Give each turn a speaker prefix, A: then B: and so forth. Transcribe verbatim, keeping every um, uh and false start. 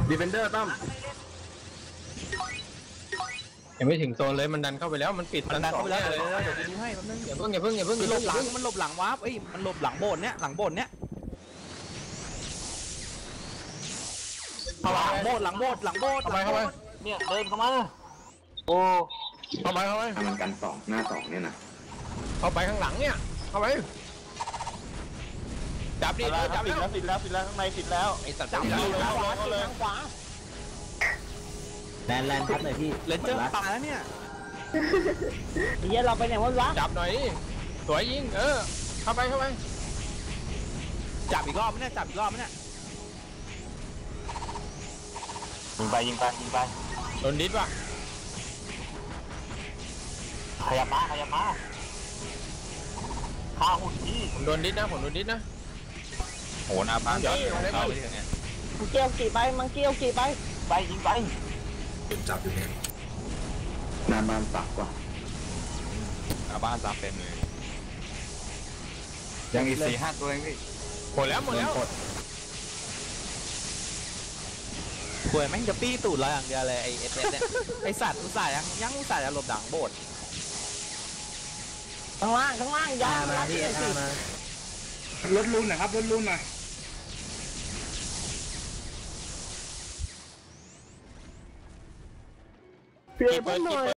A: ดีเฟนเดอร์ตั้มยังไม่ถึงโซนเลยมันดันเข้าไปแล้วมันปิดมันดันเข้าไปแล้วเลยเดี๋ยวกูดูให้แป๊บนึงอย่าเพิ่งอย่าเพิ่งอย่าเพิ่งหลบหลังมันหลบหลังวาร์ปเอ้ยมันหลบหลังโบนเนี้ยหลังโบนเนี้ยเข้าหลังโบนหลังโบนหลังโบนเข้าไปเข้าไปเนี่ยเดินเข้ามาโอ้เข้าไปเข้าไป
B: ทำมันกันสองหน้าสองเนี่ยนะ
A: เข้าไปข้างหลังเนี่ยเข้าไปจับดิจับดิแล้วติดแล้วติดแล้วข้างในติดแล้วไอ้สัตว์จับเลยขวาเลยขวา
C: แลนแลนพัดเลยพี่
A: เลนเจอร์ตายแล้วเนี่ย
D: เดี๋ยวเราไปไหนวะ
A: จับหน่อยสวยยิงเออเข้าไปเข้าไปจับอีกรอบไหมเนี่ยจับอีกรอบไหมเนี่ย
C: ยิงไปยิงไปยิงไป
A: โดนดิสว่ะ
C: ขยับมาขยับมาข้าหุ่นพี่
A: ผมโดนดิสนะผมโดนดิสนะโหนาพังย้อนเข้าไปถึงเนี้ย
D: มังเกี้ยวกี่ไปมังเกี้ยวกี่ไป
C: ไปยิงไป
B: จับอยู่เนี่ยหน้าบ้านสักกว่า
A: หน้าบ้านซับเต็มเลย
C: ยังอีกสี่ห้าตัวเองพี่
A: หมดแล้วหมดแล้วป่วยแม่งจะปี้ตูดเราอย่างเดียวเลยไอเอสเอสเนี่ยไอสัตว์อุตส่าห์ยังยังอุตส่าห์จะหลบดังโบด
D: ข้างล่างข้างล่างยา
A: มาที่เอสม
E: ารถลุ้นหน่อยครับรถลุ้นหน่อย
D: เปลี่ยนหน่อย